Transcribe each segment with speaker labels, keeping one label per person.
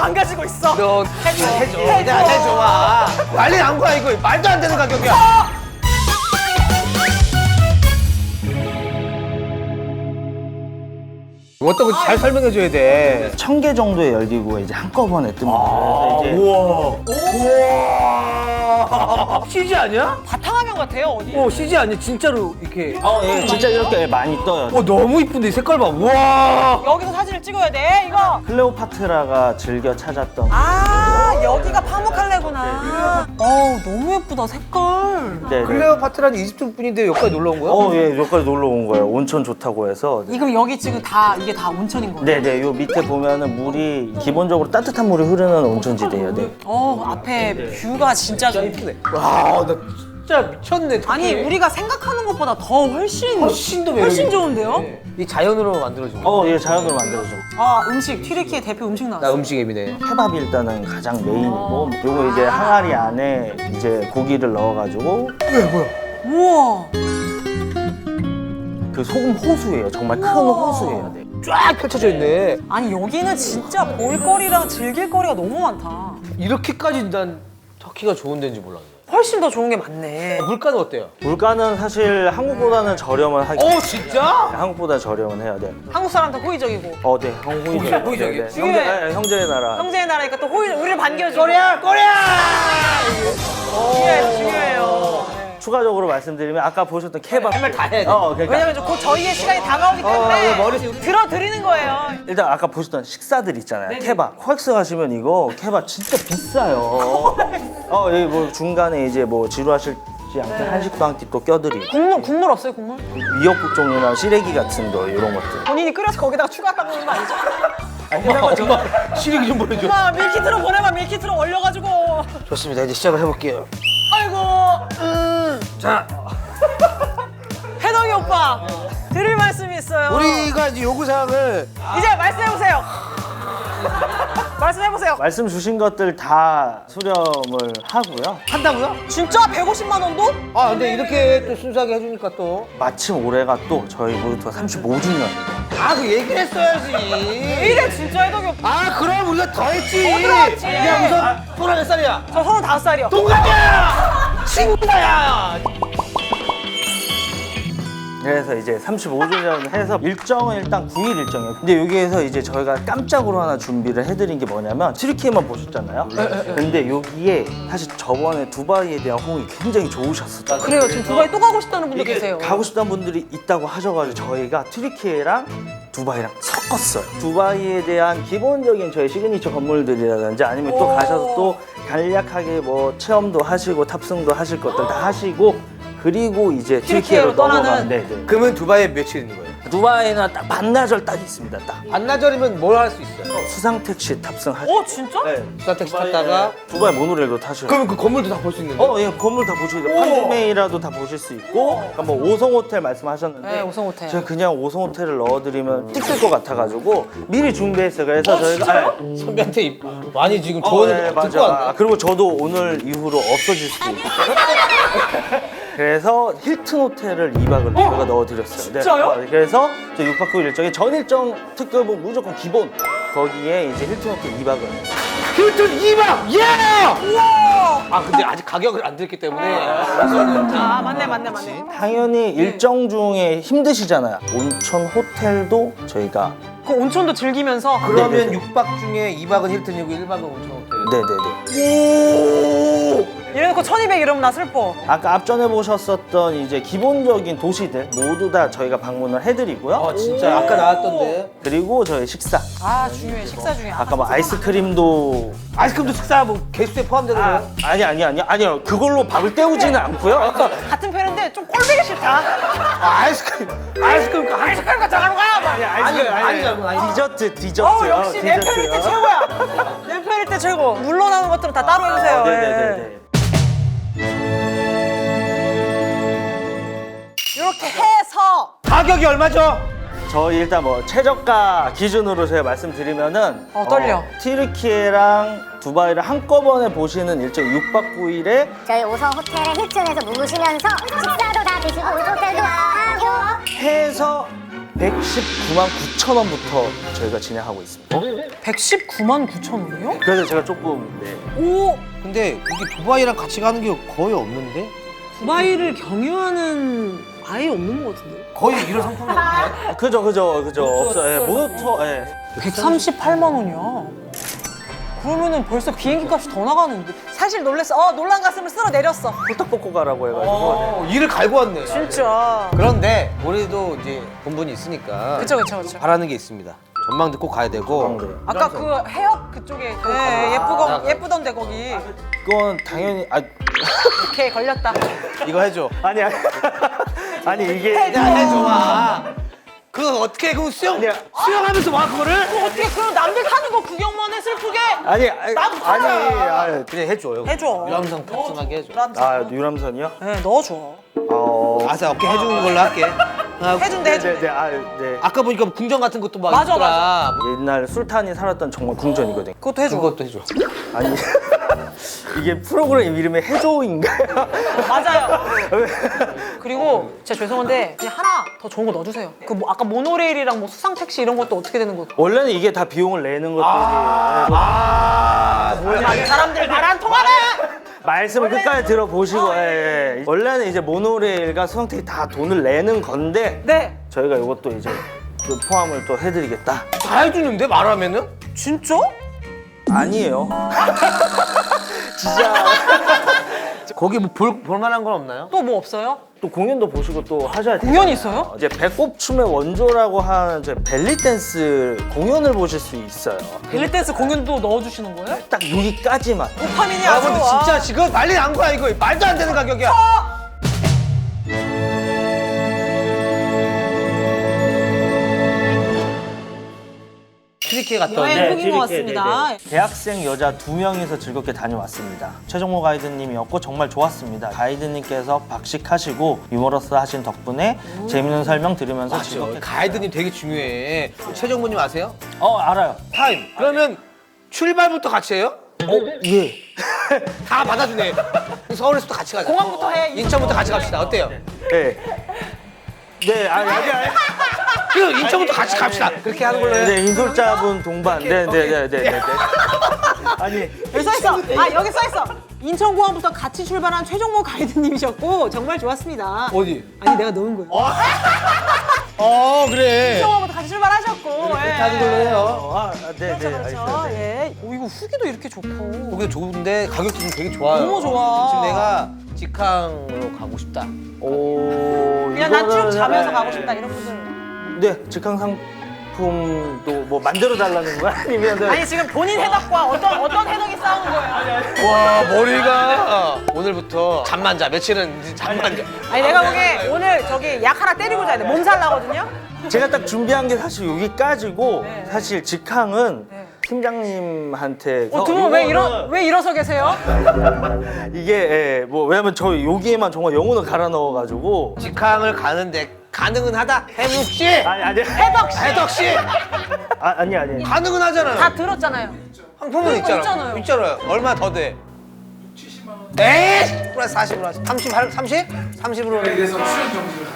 Speaker 1: 망가지고 있어.
Speaker 2: 너 해줘. 와. 난리 난 거야 이거. 말도 안 되는 가격이야. 어떤 거 잘 설명해 줘야 돼.
Speaker 3: 1000개 정도의 열기구가 이제 한꺼번에 뜹니다. 그래서 이제
Speaker 2: 우와. CG 아니야?
Speaker 1: 바탕화면 같아요 어디?
Speaker 2: CG 아니야? 진짜로 이렇게.
Speaker 3: 예, 진짜 이렇게 많이 떠요.
Speaker 2: 너무 이쁜데 색깔 봐. 우와.
Speaker 1: 여기서 사진을 찍어야 돼 이거.
Speaker 3: 클레오파트라가 즐겨 찾았던
Speaker 1: 아 여기가 파묵칼레구나. 너무 예쁘다 색깔.
Speaker 3: 네, 네.
Speaker 2: 클레오파트라는 이집트 분인데 여기까지 놀러 온 거야?
Speaker 3: 예, 여기까지 놀러 온 거예요. 온천 좋다고 해서.
Speaker 1: 이거 여기 지금 이게 다 온천인 거예요?
Speaker 3: 네네, 요 밑에 보면은 물이 기본적으로 따뜻한 물이 흐르는 온천지대예요. 네.
Speaker 1: 앞에 뷰가 진짜 좋네.
Speaker 2: 와, 나 진짜 미쳤네.
Speaker 1: 아니 우리가 생각하는 것보다 더 훨씬
Speaker 2: 훨씬
Speaker 1: 훨씬 좋은데요?
Speaker 2: 이 자연으로 만들어준 거.
Speaker 3: 예, 자연으로 만들어줘.
Speaker 1: 음식 튀르키예 대표 음식
Speaker 2: 나
Speaker 1: 나왔어.
Speaker 2: 음식 앱이네.
Speaker 3: 케밥이 일단은 가장 메인이고, 요거 이제 항아리 안에 이제 고기를 넣어가지고
Speaker 1: 우와.
Speaker 3: 그 소금 호수예요. 정말 큰 호수예요. 네.
Speaker 2: 쫙 펼쳐져 있네.
Speaker 1: 아니 여기는 진짜 볼거리랑 즐길거리가 너무 많다.
Speaker 2: 이렇게까지 난 터키가 좋은 데인지 몰랐네.
Speaker 1: 훨씬 더 좋은 게 많네.
Speaker 2: 물가는 어때요?
Speaker 3: 물가는 사실 한국보다는 저렴은 하긴.
Speaker 2: 진짜?
Speaker 3: 한국보다 저렴은 해야 돼.
Speaker 1: 한국 사람도 호의적이고
Speaker 3: 네, 호의적.
Speaker 2: 호의적이에요?
Speaker 3: 형제의 나라.
Speaker 1: 형제의 나라니까 또 우리를 반겨주고.
Speaker 2: 꼬리야!
Speaker 1: 중요해요.
Speaker 3: 추가적으로 말씀드리면 아까 보셨던 케밥.
Speaker 2: 할말 다 해야 돼.
Speaker 3: 그러니까
Speaker 1: 왜냐면 곧 저희의 시간이 다가오기 때문에
Speaker 2: 머리
Speaker 1: 들어드리는 거예요.
Speaker 3: 일단 아까 보셨던 식사들 있잖아요. 케밥. 코엑스 가시면 이거 케밥 진짜 비싸요. 여기 뭐 중간에 이제 뭐 지루하실지 않게 한식도 한 끼 또 껴드리고.
Speaker 1: 국물 없어요 국물?
Speaker 3: 미역국종이나 시래기 같은 거 이런 것들.
Speaker 1: 본인이 끓여서 거기다가 추가하는 거 아니죠?
Speaker 2: 엄마 시래기 좀 보내줘.
Speaker 1: 엄마 밀키트로 보내봐 밀키트로 얼려가지고.
Speaker 2: 좋습니다. 이제 시작을 해볼게요.
Speaker 1: 아이고.
Speaker 2: 자,
Speaker 1: 해덕이 오빠 드릴 말씀이 있어요.
Speaker 2: 우리가 이제 요구사항을
Speaker 1: 이제 말씀해보세요. 말씀해보세요.
Speaker 3: 말씀 주신 것들 다 수렴을 하고요.
Speaker 2: 한다고요?
Speaker 1: 진짜 150만 원도?
Speaker 2: 근데 이렇게 또 순수하게 해주니까 또.
Speaker 3: 마침 올해가 또 저희 모루토가 35주년입니다.
Speaker 2: 그 얘기를 했어야지.
Speaker 1: 이래 진짜 해덕이 오빠.
Speaker 2: 그럼 우리가 더 했지.
Speaker 1: 더 들어왔지.
Speaker 2: 야, 우선 또라 몇 살이야?
Speaker 1: 저 35살이요.
Speaker 2: 동갑이야! 친구야!
Speaker 3: 그래서 이제 35주년 해서 일정은 일단 9일 일정이에요. 근데 여기에서 이제 저희가 깜짝으로 하나 준비를 해드린 게 뭐냐면 튀르키예만 보셨잖아요. 근데 여기에 사실 저번에 두바이에 대한 호응이 굉장히 좋으셨었잖아요.
Speaker 1: 그래요. 지금 두바이 또 가고 싶다는 분도 계세요.
Speaker 3: 가고 싶다는 분들이 있다고 하셔가지고 저희가 튀르키예랑 두바이랑 섞었어요. 두바이에 대한 기본적인 저희 시그니처 건물들이라든지 아니면 또 가셔서 또 간략하게 뭐 체험도 하시고 탑승도 하실 것들 다 하시고 그리고 이제 튀르키예로
Speaker 1: 떠나는.
Speaker 3: 넘어가는. 네.
Speaker 2: 그러면 두바이에 며칠 있는 거예요?
Speaker 3: 두바이는 딱 반나절 딱 있습니다. 딱
Speaker 2: 반나절이면 뭘 할 수 있어요?
Speaker 3: 수상 택시 탑승하시고.
Speaker 1: 진짜?
Speaker 3: 네.
Speaker 2: 수산택시 탔다가
Speaker 3: 두바이 모노레일도 타시고.
Speaker 2: 그러면 그 건물도 다 볼 수 있는 거예요?
Speaker 3: 예, 건물 다 보실 수 있어요. 판매이라도 다 보실 수 있고. 그러니까 뭐 5성 호텔 말씀하셨는데.
Speaker 1: 네, 5성 호텔.
Speaker 3: 제가 그냥 5성 호텔을 넣어드리면 찍힐 것 같아가지고 미리 준비했어요. 그래서 저희가.
Speaker 2: 선배한테 많이 지금 조언을
Speaker 3: 네,
Speaker 2: 듣고
Speaker 3: 맞아.
Speaker 2: 왔네.
Speaker 3: 그리고 저도 오늘 이후로 없어질 수도 있고. 그래서 힐튼 호텔을 2박을 저희가 넣어드렸어요.
Speaker 1: 진짜요?
Speaker 3: 네. 그래서 저 6박 9일 일정에 전 일정 특급은 무조건 기본. 거기에 이제 힐튼 호텔 2박을.
Speaker 2: 힐튼 2박! 예!
Speaker 1: 우와!
Speaker 2: 근데 아직 가격을 안 드렸기 때문에
Speaker 1: 맞네.
Speaker 3: 당연히 일정 중에 힘드시잖아요. 온천 호텔도 저희가.
Speaker 1: 그 온천도 즐기면서.
Speaker 2: 그러면
Speaker 3: 네네네.
Speaker 2: 6박 중에 2박은 힐튼이고 1박은 온천 호텔.
Speaker 3: 네네네.
Speaker 1: 이래놓고 1200 이러면 나 슬퍼.
Speaker 3: 아까 앞전에 보셨었던 이제 기본적인 도시들 모두 다 저희가 방문을 해드리고요.
Speaker 2: 진짜 아까 나왔던데.
Speaker 3: 그리고 저희 식사.
Speaker 1: 중요해. 식사 중에.
Speaker 3: 아까 뭐 아이스크림도.
Speaker 2: 아이스크림도 식사 뭐 개수에 포함되는 거예요?
Speaker 3: 아니요. 그걸로 밥을 때우지는 않고요.
Speaker 1: 같은 편인데 좀 꼴보기 싫다.
Speaker 2: 아이스크림
Speaker 1: 아이스크림 장하는 거야?
Speaker 2: 아니.
Speaker 3: 디저트.
Speaker 1: 역시 내 편일 때 최고야. 내 편일 때 최고. 물러나는 것들은 다 따로 해주세요.
Speaker 3: 네네네.
Speaker 1: 이렇게 해서
Speaker 2: 가격이 얼마죠?
Speaker 3: 저희 일단 뭐 최저가 기준으로 제가 말씀드리면은
Speaker 1: 떨려.
Speaker 3: 튀르키예랑 두바이를 한꺼번에 보시는 일정 6박 9일에
Speaker 4: 저희 5성 호텔의 힐튼에서 묵으시면서 식사도 다 드시고 호텔도 하고
Speaker 3: 해서 119만 9천 원부터 저희가 진행하고 있습니다.
Speaker 1: 119만 9천 원이요?
Speaker 3: 그래서 제가 조금
Speaker 1: 오!
Speaker 2: 근데 이게 두바이랑 같이 가는 게 거의 없는데?
Speaker 1: 두바이를 경유하는 아예 없는 것 같은데.
Speaker 2: 거의 이런 상품이 없네.
Speaker 3: 그죠 없어요. 예, 모노터
Speaker 1: 138만 원이야. 그러면은 벌써 비행기 값이 더 나가는데. 사실 놀랬어. 놀란 가슴을 쓸어 내렸어.
Speaker 3: 홀딱 벗고 가라고 해가지고
Speaker 2: 일을 갈고 왔네.
Speaker 1: 진짜.
Speaker 2: 그런데 우리도 이제 본분이 있으니까
Speaker 1: 그쵸.
Speaker 2: 바라는 게 있습니다. 전망대 꼭 가야 되고.
Speaker 1: 아까 그 해협 그쪽에 예쁘던데 거기.
Speaker 3: 그건 당연히
Speaker 1: 오케이 걸렸다.
Speaker 2: 이거 해줘.
Speaker 3: 아니 아니 이게
Speaker 2: 야, 해줘봐. 그거 어떻게 그 수영하면서 와 그거를?
Speaker 1: 어떻게 그럼 남들 타는 거 구경만 해 슬프게? 나도 타자.
Speaker 2: 그냥 해줘요.
Speaker 1: 해줘.
Speaker 2: 유람선 탑승하게 해줘.
Speaker 3: 유람선이요?
Speaker 1: 네 넣어줘.
Speaker 2: 아싸 어깨 해주는 걸로 할게.
Speaker 1: 해준대.
Speaker 3: 네.
Speaker 2: 아까 보니까 궁전 같은 것도 막
Speaker 1: 맞아,
Speaker 2: 있더라.
Speaker 3: 옛날 술탄이 살았던 정말 궁전이거든요.
Speaker 1: 그것도 해줘.
Speaker 2: 그것도 해줘.
Speaker 3: 아니 이게 프로그램 이름이 해조인가요?
Speaker 1: 맞아요. 그리고 진짜 죄송한데 그냥 하나 더 좋은 거 넣어주세요. 그 뭐 아까 모노레일이랑 뭐 수상 택시 이런 것도 어떻게 되는 거?
Speaker 3: 원래는 이게 다 비용을 내는 것들이
Speaker 1: 많은 사람들 말 안 통하네.
Speaker 3: 말씀을 끝까지 들어보시고 원래는 이제 모노레일과 수상택이 다 돈을 내는 건데
Speaker 1: 네.
Speaker 3: 저희가 이것도 이제 그 포함을 또 해드리겠다.
Speaker 2: 다 해주는데 말하면은?
Speaker 1: 진짜?
Speaker 3: 아니에요. 진짜
Speaker 2: 거기 뭐 볼만한 건 없나요?
Speaker 1: 또 뭐 없어요?
Speaker 3: 또 공연도 보시고 또 하셔야 돼요.
Speaker 1: 공연이 있어요?
Speaker 3: 이제 배꼽춤의 원조라고 하는 이제 벨리 댄스 공연을 보실 수 있어요.
Speaker 1: 벨리 댄스 공연도 넣어주시는 거예요?
Speaker 3: 딱 여기까지만.
Speaker 1: 도파민이 아주.
Speaker 2: 여러분들 진짜 지금 난리 난 거야 이거. 말도 안 되는 가격이야. 트리키에 갔다
Speaker 1: 여행
Speaker 2: 왔는데
Speaker 1: 후기 모았습니다.
Speaker 3: 대학생 여자 2명이서 즐겁게 다녀왔습니다. 최정모 가이드님이었고 정말 좋았습니다. 가이드님께서 박식하시고 유머러스하신 덕분에 재밌는 설명 들으면서 즐겁게.
Speaker 2: 가이드님 되게 중요해. 최정모님 아세요?
Speaker 3: 알아요.
Speaker 2: 타임. 그러면 출발부터 같이 해요?
Speaker 3: 예.
Speaker 2: 다 받아주네. 서울에서도 같이 가자.
Speaker 1: 공항부터 해.
Speaker 2: 인천부터 같이 갑시다. 어때요?
Speaker 3: 네. 네, 아니.
Speaker 2: 그 인천부터 같이 갑시다. 그렇게 하는 걸로 해.
Speaker 3: 네, 인솔자분 동반. 네. 아니,
Speaker 1: 여기 써있어. 여기 써있어. 인천공항부터 같이 출발한 최종모 가이드님이셨고 정말 좋았습니다.
Speaker 2: 어디?
Speaker 1: 아니 내가 넣은 거예요.
Speaker 2: 그래.
Speaker 1: 인천공항부터 같이 출발하셨고.
Speaker 2: 그렇게 하는 걸로 해요.
Speaker 3: 네,
Speaker 1: 그렇죠.
Speaker 3: 알겠습니다.
Speaker 1: 예. 이거 후기도 이렇게 좋고.
Speaker 2: 거기도 좋은데 가격도 좀 되게 좋아요.
Speaker 1: 너무 좋아.
Speaker 2: 지금 내가 직항으로 가고 싶다.
Speaker 1: 그냥 난 쭉 자면서 가고 싶다 이런 분들.
Speaker 3: 네, 직항 상품도 뭐 만들어 달라는 거야? 아니면
Speaker 1: 아니 지금 본인 해덕과 어떤 해덕이 싸우는 거예요?
Speaker 2: 와 머리가 오늘부터 잠만 자. 며칠은 이제 잠만 자.
Speaker 1: 아니 내가 보기에 오늘 저기 약 하나 때리고 자야 돼. 몸살 나거든요.
Speaker 3: 제가 딱 준비한 게 사실 여기까지고
Speaker 1: 네.
Speaker 3: 사실 직항은
Speaker 1: 네.
Speaker 3: 팀장님한테
Speaker 1: 두 분 왜 일어서 계세요?
Speaker 3: 이게 뭐 왜냐면 저 여기에만 정말 영혼을 갈아 넣어가지고
Speaker 2: 직항을 가는데 가능은 하다. 해묵 씨.
Speaker 3: 아니
Speaker 2: 해덕 씨.
Speaker 3: 아니
Speaker 2: 가능은 하잖아요.
Speaker 1: 다 들었잖아요.
Speaker 2: 상품은 있잖아요. 있잖아요. 얼마 더 돼? 70만 원. 에이! 플러스 40으로 하지. 30? 30으로.
Speaker 4: 그래서 출연 정지를.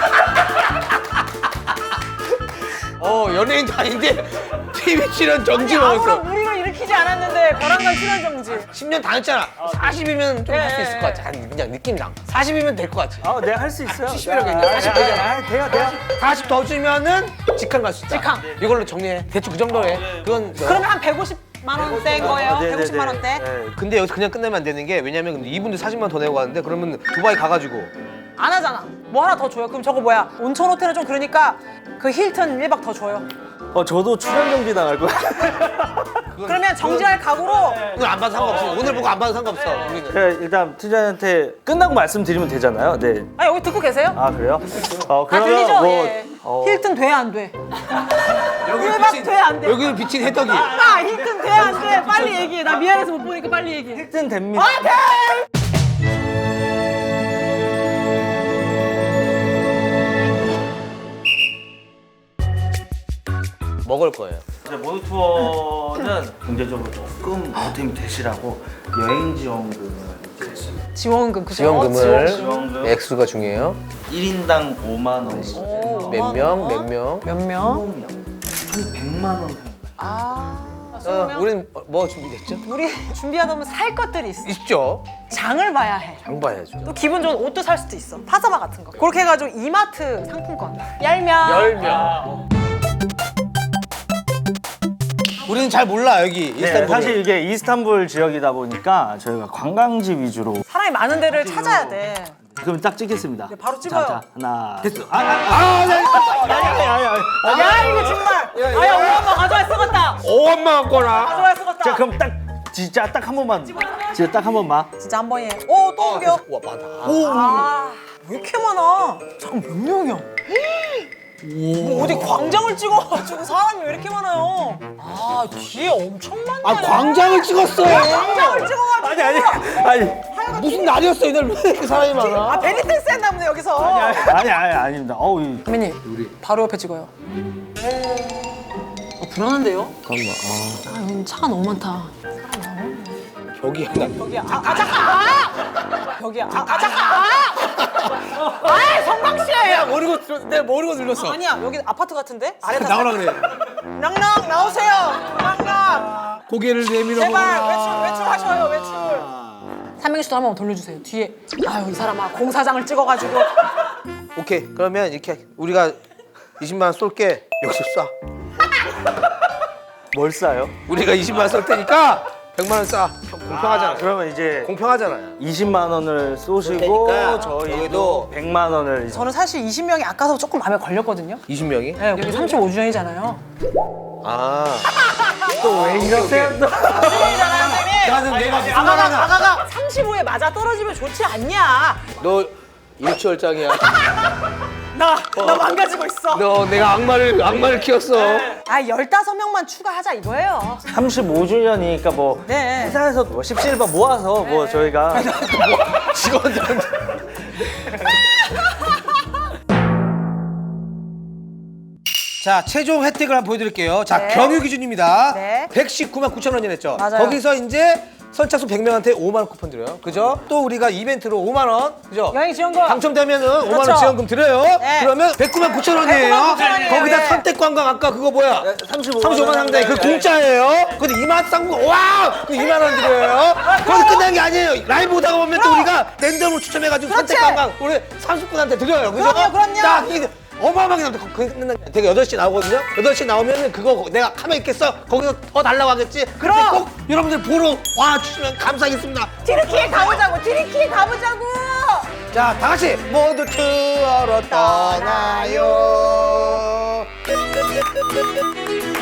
Speaker 2: 연예인도 아닌데 TV 출연 정지
Speaker 1: 아무런
Speaker 2: 먹었어.
Speaker 1: 무리를 일으키지 않았는데 벼랑간 출연 정지.
Speaker 2: 10년 다녔잖아. 40이면 좀 할 수 있을 것 같아. 그냥 느낌상. 40이면 될 것 같지.
Speaker 3: 내가 할 수 있어요.
Speaker 2: 70이라고 했는데 40 되잖아.
Speaker 3: 돼요.
Speaker 2: 40 더 주면은 직항 갈 수 있다.
Speaker 1: 직항.
Speaker 2: 이걸로 정리해. 대충 그 정도 해. 그건
Speaker 1: 그러면 한 150만 원대인 거예요?
Speaker 3: 네,
Speaker 1: 150만 원대?
Speaker 2: 근데 여기서 그냥 끝내면 안 되는 게 왜냐면 근데 이분들 40만 더 내고 가는데 그러면 두바이 가가지고
Speaker 1: 안 하잖아. 뭐 하나 더 줘요. 그럼 저거 뭐야? 온천 호텔은 좀 그러니까 그 힐튼 1박 더 줘요.
Speaker 3: 저도 출연 정지 당할 거야.
Speaker 1: 그러면 정지할 각오로
Speaker 2: 오늘 안 봐도 상관없어. 오늘 보고 안 봐도 상관없어. 우리는.
Speaker 3: 제가 일단 팀장한테 끝나고 말씀드리면 되잖아요. 네.
Speaker 1: 여기 듣고 계세요?
Speaker 3: 그래요?
Speaker 1: 다
Speaker 3: 그러면
Speaker 1: 들리죠?
Speaker 3: 뭐
Speaker 1: 예. 힐튼 돼 안 돼?
Speaker 2: 여기를
Speaker 1: 1박 돼 안 돼?
Speaker 2: 여기를 비친 해덕이.
Speaker 1: 힐튼 돼 안 돼? 빨리 얘기해. 나 미안해서 못 보니까 빨리 얘기해.
Speaker 3: 힐튼 됩니다.
Speaker 2: 먹을 거예요.
Speaker 3: 이제 모노투어는 경제적으로 조금 보탬이 되시라고 여행지원금을 이제
Speaker 1: 지원금 그죠?
Speaker 2: 지원금을
Speaker 3: 지원금
Speaker 2: 액수가 중요해요.
Speaker 3: 1인당 5만 원.
Speaker 1: 오.
Speaker 2: 몇 명? 몇 명?
Speaker 1: 몇 명?
Speaker 3: 한 100만 원.
Speaker 1: 아, 20명?
Speaker 2: 우린 뭐 준비됐죠?
Speaker 1: 우리 준비하다 보면 살 것들이 있어.
Speaker 2: 있죠.
Speaker 1: 장을 봐야 해.
Speaker 2: 장 봐야죠.
Speaker 1: 또 기분 좋은 옷도 살 수도 있어. 파자마 같은 거. 그렇게 해가지고 이마트 상품권 10명.
Speaker 2: 10명. 우리는 잘 몰라 여기
Speaker 3: 네,
Speaker 2: 이스탄불.
Speaker 3: 사실 이게 이스탄불 지역이다 보니까 저희가 관광지 위주로.
Speaker 1: 사람이 많은 데를 찾아야 돼.
Speaker 3: 그럼 딱 찍겠습니다.
Speaker 1: 네, 바로 찍어요.
Speaker 3: 자, 하나.
Speaker 2: 됐어.
Speaker 3: 네.
Speaker 1: 야 이거 정말. 아야 우리 엄마 가져와 쓰겄다.
Speaker 2: 5원만 갖거나.
Speaker 1: 가져와 쓰겄다.
Speaker 3: 자, 그럼 딱 진짜 딱 한 번만. 진짜 딱 한 번만.
Speaker 1: 진짜 한 번에. 오또 옮겨.
Speaker 2: 와 많다.
Speaker 1: 아왜 이렇게 많아? 잠깐 몇 명이야? 뭐 어디 광장을 찍어가지고 사람이 왜 이렇게 많아요? 아 뒤에 엄청 많네.
Speaker 2: 아 광장을 찍었어.
Speaker 1: 광장을 찍어가지고.
Speaker 3: 아니.
Speaker 2: 무슨 날이었어 이날 왜 이렇게 사람이 많아?
Speaker 1: 아 베리댄스 했나 보네 여기서.
Speaker 3: 아닙니다. 어우,
Speaker 1: 선배님 바로 옆에 찍어요. 불안한데요?
Speaker 2: 잠깐만.
Speaker 1: 아 여기 차가 너무 많다.
Speaker 2: 벽이야.
Speaker 1: 여기야. 잠깐. 여기야. 잠깐. 아 성광 씨.
Speaker 2: 내가 내가 모르고 눌렀어.
Speaker 1: 아니야 여기 아파트 같은데? 아래 다
Speaker 2: 나오라 그래.
Speaker 1: 낭낭 나오세요. 낭낭.
Speaker 2: 고개를 내밀어.
Speaker 1: 제발 외출하셔요 외출. 삼행시도 한번 돌려주세요. 뒤에 아유 이 사람아 공사장을 찍어가지고.
Speaker 2: 오케이. 그러면 이렇게 우리가 20만 원 쏠게. 역시 쏴.
Speaker 3: 뭘 싸요?
Speaker 2: 우리가 20만 원 쏠 테니까 100만 원 쏴. 공평하잖아.
Speaker 3: 그러면 이제
Speaker 2: 공평하잖아요.
Speaker 3: 20만 원을 쏘시고
Speaker 2: 그러니까
Speaker 3: 저희도 100만 원을.
Speaker 1: 저는 사실 20명이 아까서 조금 마음에 걸렸거든요.
Speaker 2: 20명이?
Speaker 1: 네, 여기 35주년이잖아요.
Speaker 2: 아.
Speaker 3: 또 왜 이러세요? 또?
Speaker 2: 나는 내가 무슨 말 하나.
Speaker 1: 아가가 35에 맞아 떨어지면 좋지 않냐?
Speaker 2: 너 일치월장이야.
Speaker 1: 나 망가지고 있어.
Speaker 2: 너 내가 악마를 키웠어.
Speaker 1: 아 15명만 추가하자 이거예요.
Speaker 3: 35주년이니까 뭐
Speaker 1: 네.
Speaker 3: 회사에서 뭐 17번 모아서 뭐 저희가
Speaker 2: 직원들한테. 자, 최종 혜택을 한번 보여드릴게요. 자,
Speaker 1: 네.
Speaker 2: 경유 기준입니다.
Speaker 1: 네.
Speaker 2: 119만 9천 원이 냈죠.
Speaker 1: 맞아요.
Speaker 2: 거기서 이제 선착순 100명한테 5만 원 쿠폰 드려요. 그죠? 또 우리가 이벤트로 5만 원, 그죠?
Speaker 1: 여행 지원금.
Speaker 2: 당첨되면은 5만 원
Speaker 1: 그렇죠.
Speaker 2: 지원금 드려요.
Speaker 1: 네.
Speaker 2: 그러면 109만 9천 원이에요.
Speaker 1: 109만 9천 원이에요.
Speaker 2: 거기다
Speaker 1: 네.
Speaker 2: 선택 관광 아까 그거 뭐야? 35만 상당히 그
Speaker 3: 네.
Speaker 2: 공짜예요. 근데 2만 상품 와! 그 2만 원 드려요. 거기 끝난 게 아니에요. 라이브 오다가 보면 또 우리가 랜덤으로 추첨해가지고
Speaker 1: 그렇지.
Speaker 2: 선택 관광 우리 30분한테 드려요. 그죠?
Speaker 1: 그럼요.
Speaker 2: 딱 이게 어마어마하게 나옵니다. 거기 끝난 게 되게 8시 나오거든요. 8시 나오면은 그거 내가 가만히 있겠어. 거기서 더 달라고 하겠지.
Speaker 1: 그럼.
Speaker 2: 근데 꼭 여러분들 보러 와 주시면 감사하겠습니다.
Speaker 1: 티리키에 가보자고. 티리키에 가보자고.
Speaker 2: 자, 다 같이 모두 투어로 떠나요.